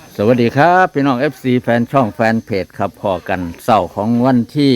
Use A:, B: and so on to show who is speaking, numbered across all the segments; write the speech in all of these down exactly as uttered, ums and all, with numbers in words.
A: สวัสดีครับพี่น้อง เอฟ ซี แฟนช่องแฟนเพจครับพอกันเสาร์ของวันที่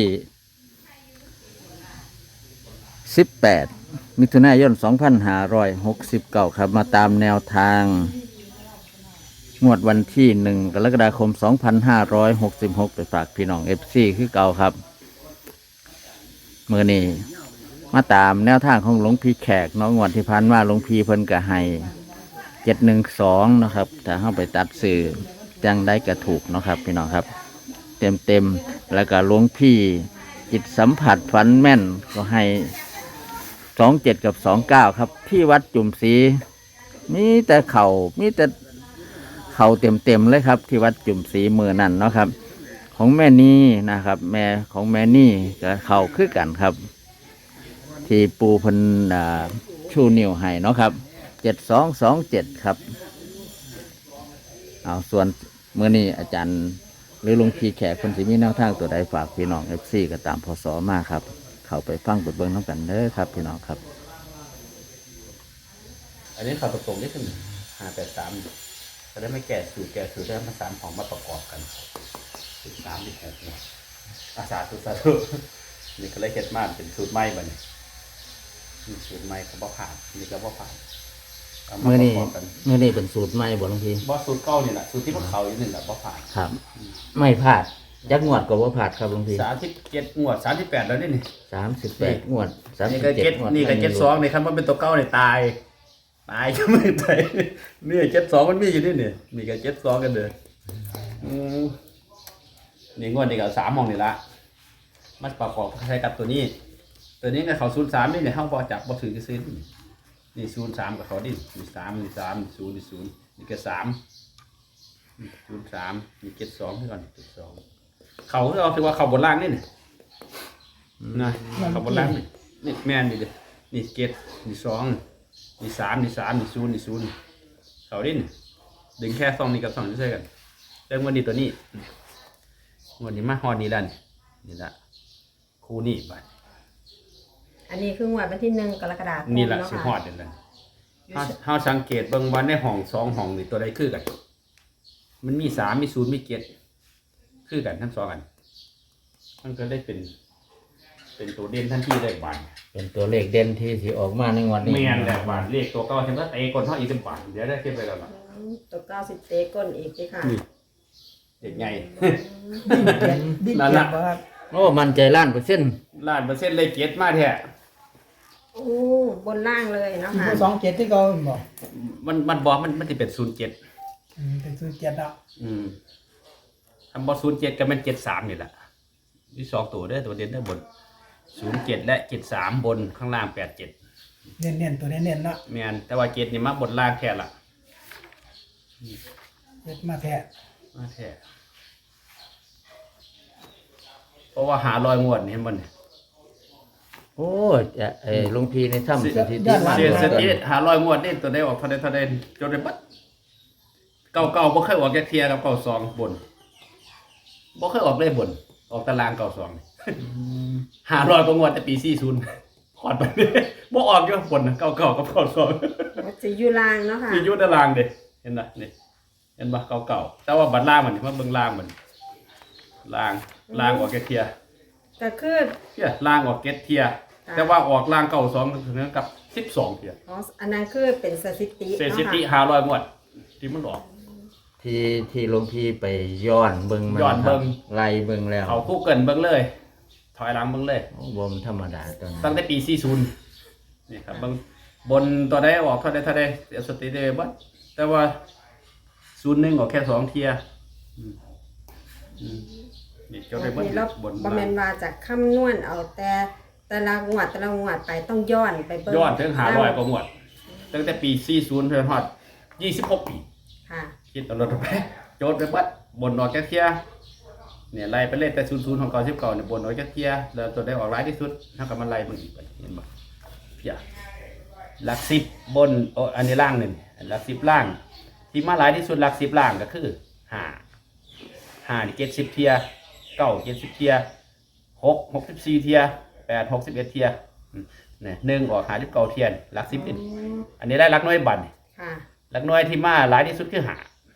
A: สิบแปดมิถุนายนสองพันห้าร้อยหกสิบเก้าครับมาตามแนวทางงวดวันที่หนึ่งกรกฎาคมสองพันห้าร้อยหกสิบหกไปฝากพี่น้อง เอฟ ซี คือเก่าครับเมื่อนี้มาตามแนวทางของหลวงพี่แขกน้องงวดที่ผ่านมาหลวงพี่เพิ่นกะให้เจ็ดหนึ่งสองนะครับถ้าเข้าไปตัดสื่อจังได้กระถูกนะครับพี่น้องครับ เต็มเต็มแล้วก็หลวงพี่จิตสัมผัสฝันแม่นก็ให้สองเจ็ดกับสองเก้าครับ ที่วัดจุ่มศรีมีแต่เขา่ามีแต่เข่าเต็มเต็มเลยครับ ที่วัดจุ่มศรีมือนั่นเนาะครับ ของแม่นี่นะครับ แม่ของแม่นี่ก็เข่าคือกันครับ ที่ปูพันชูนิ้วให้เนาะครับเจ็ดสองสองเจ็ดครับเอาส่วนเมื่อนี้อาจารย์หรือหลวงพี่แขกคนสิมีแนวทางตัวใดฝากพี่น้องเอฟซีก็ตามพศมาครับเข้าไปฟังบทเบิ้งน้ำกันเด้อครับพี่น้องครับ
B: อันนี้เขาตรงๆนี่คือห้าแปดสามจะได้ไม่แก่สูตรแก่สูตรได้มาสามของมาประกอบกันสูตรสามที่แก่เนี่ยอาสาสูตรสาธุนี่ก็เลยเก็ดมากเป็นสูตรใหม่บ้านี่สูตรใหม่เขาบ่ผ่านนี่ก็บ่ผ่าน
A: เมื่อนี้เมื่อนี้เป็นสูตรใหม่บ่หลวงพี่
B: บ่สูตรเก่านี่แหละสูตรที่พวกเขาอยู่นี่แหละบ่ผ่าน
A: ครับไม่พลาดยักงวดก็บ่พลาดครับหลวงพี่
B: สามสิบเจ็ดงวดสามสิบแปดแล้วนี่นี่
A: สามสิบแปดงวดสาม
B: นี่
A: สิบ
B: ก็
A: เจ็ด
B: เจ็ดนี่ก็เจ็ดสองนี่คันว่าเป็นตัวเก่าเนี่ยตายตายก็ไม่ตายนี่เจ็ดสองมันมีอยู่นี่นี่นี่ก็เจ็ดสองกันเด้อนี่งวดนี่ก็สามมองนี่ละมันประกอบใช้กับตัวนี้ตัวนี้กับเขาศูนย์สามนี่เนี่ยเขาพอจับพอถือจะซื้อนี่ศูนย์สามกับเขาดินี่สามนี่สามศูนย์นี่ศูนย์นี่ก็สามศูนย์สามนี่เจ็ดสองที่ก่อนเจ็ดสองเขาเราถือว่าเขาบนล่างนี่นี่นะเขาบนล่างนี่นี่แม่นนี่เลยนี่เจ็ดนี่สองนี่สามนี่สามนี่ศูนย์นี่ศูนย์เขาดิดึงแค่สองนี่กับสองนี่ใช่กันเริ่มวันนี้ตัวนี้วันนี้มาฮอดนี่แล้วนี่นี่ละคู่นี่ไป
C: อันนี้คืองวดวันที่หนึ่งกรกฎาคม
B: นี่แหละสิฮอดเดี๋ยวนั้นเฮาสังเกตเบิ่งวันในห้องสองห้องนี่ตัวใดคือกันมันมีสามมีศูนย์มีเจ็ดคือกันทั้งสองอันมันก็ได้เป็นเป็นตัวเด่นทันทีเลยบาน
A: เป็นตัวเลขเด่นที่สิออกมาในวันนี้
B: แม่นแหละบานเลขตัวเก่าฉันก็เตะก้นเฮาอีกเป็นบานเดี๋ยวได้เก็บไปแล้วล่ะ
C: ตัวเก้าสิบเตก้นอีกสิค่ะ
B: เด็กใหญ่
A: นั่นล่ะโอ้มันใจล้านเปอร์เซ็นต์
B: ล้านเปอร์เซ็นต์เลยเจ็ดมาแท้
C: โอ้บนล่างเลยเนาะค่ะ
D: สองเจ็ดที่เขาบอก
B: มันมันบอกมันมันจะเป็นศูนย์เจ็ด
D: เป็นศูนย์เจ็ดอ่ะ
B: อืมทำบอศูนย์เจ็ดก็เป็นเจ็ดสามนี่แหละที่สองตัวเด้อตัวเด่นเด้อบนศูนย์เจ็ดและเจ็ดสามบนข้างล่างแปดเจ็ด
D: เน้นเน้นตัวเน้นเน้นเนาะ
B: แมนแต่ว่าเจ็ดนี่มาบนล่างแค่ละ
D: เจ็ดมาแท้
B: มาแท้เพราะว่าหาลอยงวดเห็นมัน
A: โอ้จะไอ้ลุงพีในถ้ำสถิติ
B: มาเสียสถิติหาลอยงวดนี่ตัวได้ออกทะเลทะเลจนได้บัดเก่าเก่าบ่เคยออกแค่เทียกับเก่าสองบนบ่เคยออกได้บนออกตารางเก่าสองหาลอยกว่างวดแต่ปีสี่ศูนย์ขอดไปบ่ออกอยู่บนเก่าเก่ากับเก่าสอง
C: สียูล่างเนาะค่ะ
B: สียูตารางเด้เห็นป่ะนี่เห็นป่ะเก่าเก่าแต่ว่าบัดล่างมันมันเบิ่งล่างมันล่างล่างออกแค่เทีย
C: ก็คือ
B: เทียล่างออกเก็ตเทียแต่ว่าออกล่างเก่าสองถึงกับสิบสองเทีย
C: อ๋ออันนั้นคือเป็นสถิติ
B: สถิติหาลอยงวดที่มันออก
A: ที่ที่หลวงพี่ไปย้อนเบิ้งมัน
B: ย้อนเบิ้ง
A: ไล่เบิ้งแล้ว
B: เขาคู่เกินเบิ้งเลยถอยหลังเบิ้งเลย
A: บนธรรมดาตัว
B: ตั้งแต่ปีสี่ศูนย์นี่ครับเบิ้งบนตัวได้ออกเท่าใดเท่าใดสถิติบัดแต่ว่าศูนย์หนึ่งออกแค่สองเทีย
C: นี่เจ้าได้บนบำเพ็ญว่าจากคำนวณเอาแต่แต่ละงวดแต่ละงวดไปต้องย้อนไปเบิ้ง
B: ย้อนถึงหาลอยกว่างวดตั้งแต่ปีสี่ศูนย์เพิ่นฮอดยี่สิบหกปี
C: ค่ะ
B: คิดตลอดไปโจทย์ไปบัดบนออกแค่เทียเนี่ยไล่ไปเล่นแต่ศูนย์ศูนย์ของเก่าสิบเก่าเนี่ยบนออกแค่เทียแล้วตัวได้ออกร้ายที่สุดเท่ากับมันไล่มันอีกไปเห็นบ่เพียหลักสิบบนโอ้อันนี้ล่างหนึ่งหลักสิบล่างที่มาหลายที่สุดหลักสิบล่างก็คือห้าห้านี่เจ็ดสิบเทียเก้าเจ็ดสิบเทียหกหกสิบสี่เทียแปดหกสิบเอ็ดเทียเนี่ยหนึ่งออกหาสิบเก้าเทียนหลักสิบอันนี้ได้หลักน้อยบันหลักน้อยที่มาหลายที่สุดคือหา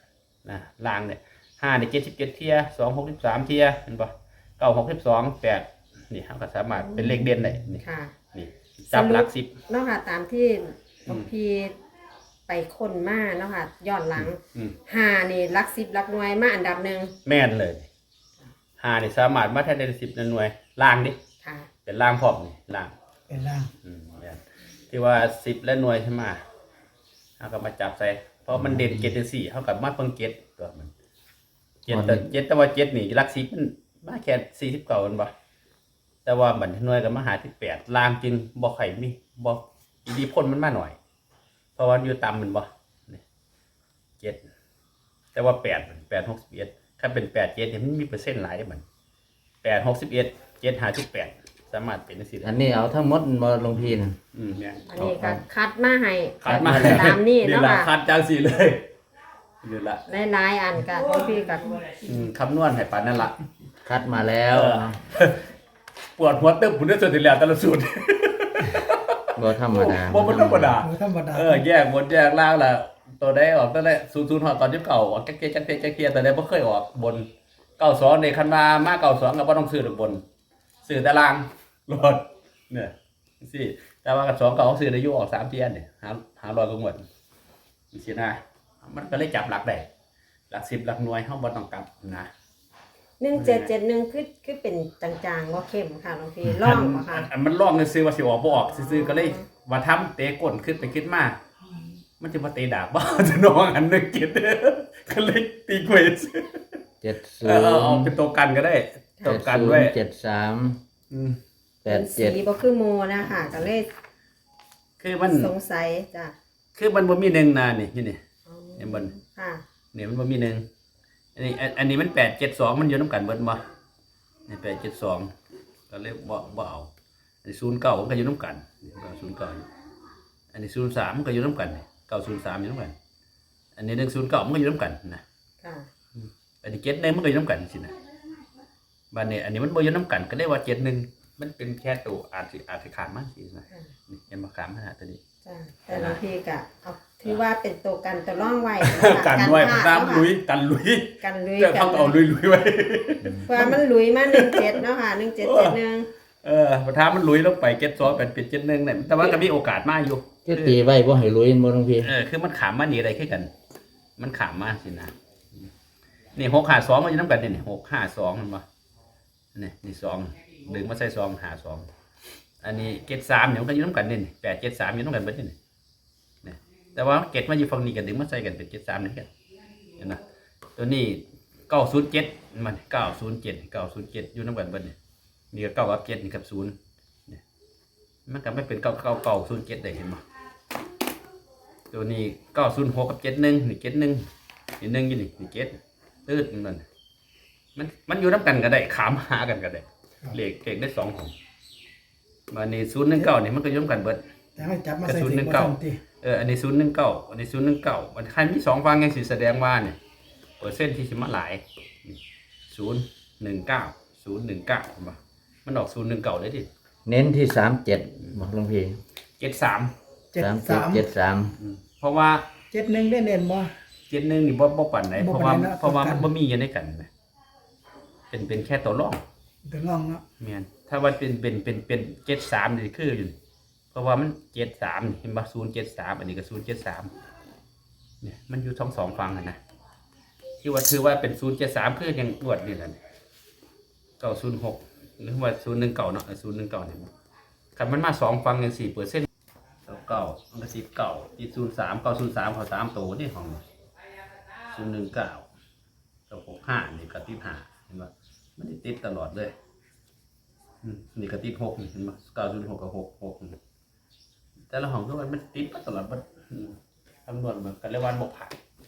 B: นะล่างเนี่ยห้าเนี่ยเจ็ดสิบเจ็ดเทียสองหกสิบสามเทียเห็นปะเก้าหกสิบสองแปดนี่เขาก็สามารถเป็นเลขเด่นได้นี่
C: ค่ะ
B: นี่จับหลักสิบ
C: เนาะค่ะตามที่หลวง
B: อืม
C: พี่ไปคนมาเนาะค่ะย้อนหลัง
B: อืม
C: ห้านี่หลักสิบหลักหน่วยมาอันดับหนึ่ง
B: แม่นเลยห้านี่สามารถมาแทนได้สิบหน่วยล่างดิ
C: ค่ะ
B: เป็นล่างพร้อมนี่ล่าง
D: เป็นล่าง
B: อืมแม่นที่ว่าสิบและหน่วยใช่ไหมเขาก็มาจับใส่เพราะมันเด่นเจ็ดเด่นสี่เขากับมาเพิ่งเจ็ดตัวมันเจ็ดแต่เจ็ดแต่ว่าเจ็ดนี่หลักสิบมันมาแค่สี่สิบเก้ามันบ่แต่ว่าบันหน่วยกับมาหาที่แปดล่างจึงบ่ไข่มีบ่อีดีพ่นมันมาหน่อย เพราะว่าอยู่ต่ำมันบ่นี่เจ็ดแต่ว่าแปดแปดหกสิบเอ็ดถ้าเป็นแปดเจ็ดเนี่ยมันมีเปอร์เซ็นต์หลายได้มันแปดหกสิบเอ็ดเจ็ดหาที่แปดสามารถเป็นได้สิ
A: อันนี้เอาทั้งหมดมาลงพีนะ
B: อืมเนี่ย
C: อันนี้ก็คัดมาให้
B: คัดมา
C: ตามนี่เนาะ
B: แหละ
C: ค่ะ
B: คัดจังสีเลยนี่ละ
C: หลายๆอันก็หลวงพี่ก็
B: อืมคำนวณให้ปานนั่นละ
A: คัดมาแล้ว
B: เออ ปวดหัวตึ๊บผมได้สุดที่แล้วแต่ละสูตร
A: บ่ธรรมดา
B: บ่มันธรรมดา
D: โดยธรรมดา
B: เออแยกบนแยกล่างละตัวได้ออกตั้งแต่ศูนย์ศูนย์หอดตอนที่เก่าออกแก๊กเก๊กแก๊กเก๊กแก๊กเก๊กแต่ได้บ่เคยออกบนเก้าสองในคันมามาเก้าสองก็บ่ต้องซื้อหรือบนซื้อแต่ล่างรถเนี่ยสิแต่ว่ากับสองเก่าซื้อได้อยู่ออกสามเทียนเนี่ยหาหาร้อยก็หมดสินะมันก็เลยจับหลักได้หลักสิบหลักหน่วยเฮาบ่ต้องกลับนะ
C: หนึ่งเจ็ดเจ็ดหนึ่งคือคือเป็นจางๆว่าเข้มค่ะหลวงพี่ร่องบ่ค่ะ
B: อันอันมันล่องซื้อว่าสิออกบ่ออกซื้อๆก็เลยว่าทำเตะก้นขึ้นไปขึ้นมามันจะมาเตะดาบบ่ จะน้องอันนึงกินก็เลยตีกล้วยซื้อ
A: เจ็ดศู
B: เอน อเอาเอา
A: ย์
B: เป็นตัวกันก็ได้ตัวกันไว้
A: เจ็ดสาม
B: อืม
A: แป
C: เป็
A: ด
C: น
A: เจ็ด
C: สีบ่คือโมนะคะก็เลย
B: คือมัน
C: สงสัยจ้ะ
B: คือมันบ่มีหนึ่งนานี่นี่นี่
C: อ๋อ
B: เห็นบ่
C: ค่ะ
B: เนี่ยมันบ่มีหนึ่งอันนี้อันอันนี้มันแปดเจ็ดสองมันอยู่นํกันเบิดบ่นี่แปดเจ็ดสองก็เลยบ่บ่เอาอันนี้ศูนย์เก้ามันก็อยู่นํกันนี่ก็ศูนย์เก้าอันนี้ศูนย์สามมันก็อยู่นํกันเก้าศูนย์สามอยู่นํกันอันนี้หนึ่งศูนย์เก้ามันก็อยู่นํกันนะ
C: ค่ะ
B: อันนี้เจ็ดหนึ่งมันก็อยู่น้ำกันสินะบ้านนี้อันนี้มันบ่อยู่น้ำกันก็ได้ว่าเจ็ดหนึ่งมันเป็นแค่ตัวอาจสิอาจสิขาดมากสินะ
C: ค่ะ
B: นี่ยังมาขามขนาดตัวนี้
C: จ้ะแต่หลวงพี่ก็เอาถือว่าเป็นตัวกันตัวร่องไว้
B: กันไว้
C: พลาด
B: น้ำลุยกันลุย
C: กันลุย
B: เจ้า
C: กั
B: เขาเอาลุยลุยไว้
C: เพื่อมันลุยมาหนึ่งเจ็ดเนาะค่ะหนึ่งเจ็ดเจ็ดหนึ่ง
B: เออพอท้ามันลุยลงไปเจ็ดสองเป็นเป็นเจ็ดหนึ่งเนี่ยแต่ว่าก็มีโอกาสมากอยู่
A: คือตีไว้บ่ให้ลุยบ่ลงพี
B: เออคือมันขามมาหนีอะไรขึ้นกัน มันขามมาสินะนี่หกห้าสองมันอยู่น้ำกันนี่หกห้าสองมันมานี่นี่สองดึงมาใส่ซองหาสองอันนี้เจ็ดสามเนี่ยมันก็อยู่น้ำกันนี่แปดเจ็ดสามอยู่น้ำกันเบิดนี่นี่แต่ว่าเจ็ดมาอยู่ฝั่งนี้กันดึงมาใส่กันเป็นเจ็ดสามนี่กันเห็นไหมตัวนี้เก้าศูนย์เจ็ดมันเก้าศูนย์เจ็ดเก้าศูนย์เจ็ดอยู่น้ำกันเบิดนี่นี่ก็เก้ากับเจ็ดนี่กับศูนย์นี่มันก็ไม่เป็นเก้าเก้าเก้าศูนย์เจ็ดได้เห็นไหมตัวนี้เก้าศูนย์หกกับเจ็ดหนึ่งนี่เจ็ดหนึ่งนี่หนึ่งอยู่นี่นี่เจ็ดตืดมันมันมันอยู่น้ำกันก็ได้ขามหากันก็ได้เลขเก่งได้สองของมาในศูนย์หนึ่งเก้านี่มันก็อยุ่งกันเบิด
D: แต่ให้จับมาใส่
B: กระสุน
D: ถุ
B: หนึ่
D: ง
B: ง
D: บ่
B: เก้า
D: ทันติ
B: เอออันนี้ศูนย์หนึ่งเก้าอันนี้ศูนย์หนึ่งเก้ามันใครมีสองฟังยังสิแสดงว่าเนี่ยเปอร์เซ็นต์ที่สิมาหลายศูนย์หนึ่งเก้าศูนย์หนึ่งเก้ามันมันออกศูนย์หนึ่งเก้าเลยดิ
A: เน้นที่สามเจ็ดบอกลงพี
B: เจ็ดสาม
D: เจ็ด
A: สามเจ็ด
D: สาม
A: เจ็ดสาม
B: เพราะว่า
D: เจ็ดหนึ่งได้เน้นบ่
B: เจ็ดหนึ่งนี่บ่บ่ปั่นไหน
D: บ่
B: เพราะ
D: ปา
B: ว่าน
D: ใดนะ
B: เพราะว่า
D: ต้องกัน
B: มันบ่มีอยู่ในกันนะเป็นเป็นแค่ตัวรอง
D: ถึงลองเนาะ
B: เมียนถ้าว่าเป็นเป็นเป็นเป็นเจ็ดสามนี่คืออยู่เพราะว่ามันเจ็ดสามเห็นป่ะศูนย์เจ็ดสามอันนี้ก็ศูนย์เจ็ดสามเนี่ยมันอยู่ทั้งสองฟังกันนะที่ว่าถือว่าเป็นศูนย์เจ็ดสามคือยังอวดนี่แหละเก้าศูนย์หกหรือว่าศูนย์หนึ่งเก่าเนาะศูนย์หนึ่งเก่าเนี่ยคันมันมาสองฟังยังสี่เปอร์เซ็นต์เก่ามันก็สิบเก่าที่ศูนย์สามเก้าศูนย์สามเขาสามโตนี่ของศูนย์หนึ่งเก้าเก้าหกห้านี่ก็ติดห้าเห็นป่ะมันติดตลอดเลยอืมนี่ก็ติดหกนี่เห็นป่ะเก้าศูนย์หกกับหกหกแต่ละห้องทุกวันมันติดมาตลอดมันอืมคำนวณมันกันเรียกว่าบกผ่าน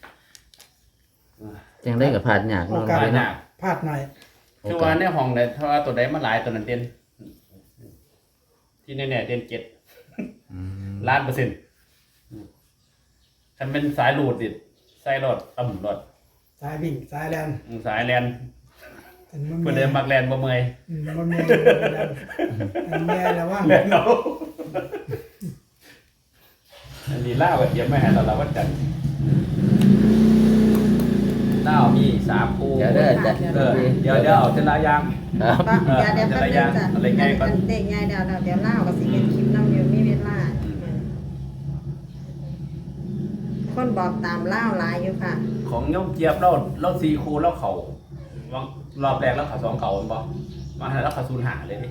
A: จังได้กับผ่านยาก
D: โอ
A: เนาะ
D: กาส
B: ผ่านยาก
D: พลาดหน่อย
B: คือว่าในห้องเนี่ยถ้าว่าตัวใดมาหลายตัวนั้นเด่นที่แน่ๆเด่นเจ็ด
A: อืม
B: ล้านเปอร์เซ็นต์คันเป็นสายหลูดดิใส่รถต่ำรถ
D: สายวิ่งสายแลน
B: สายแลน
D: ถึงมัน
B: เพื่อเดินมักแลนบ่เมอย
D: อืมมันมีแลนอันแม่แล้วว่า
B: แลนเอาอันนี้ล่าแบบเยี่ยมไม่หายตลอดวันจันทร์ล่ามีสามคู่
A: เดี๋ยวเด้อจะ
B: เออเดี๋ยวเดี๋ยวเอาเจรายาง
A: ครับ
C: ก็เดี๋ยวเดี๋ยวแป๊บนึงจ้ะ
B: อะไรไงก่อน
C: อันเด็กไงเดี๋ยวเดี๋ยวเดี๋ยวเล่ากับสิเป็นคลิปน้ำอยู่มีเวลาคนบอกตามเล่าหลายอยู่ค่ะ
B: ของโยมเจี๊ยบเราเราสี่คู่แล้วเขาวางรอบแรกแล้วเขาสองเก่าบ่มาให้แล้วเขาศูนย์หาเลยดิ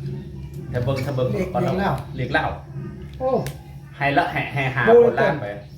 B: ถ้าเบิ่งถ้าเบิ่งก่อนเราเรียกเล่า
D: โอ้
B: ให้ละให้ให้หา
D: โอ้ย
B: คนล่างไป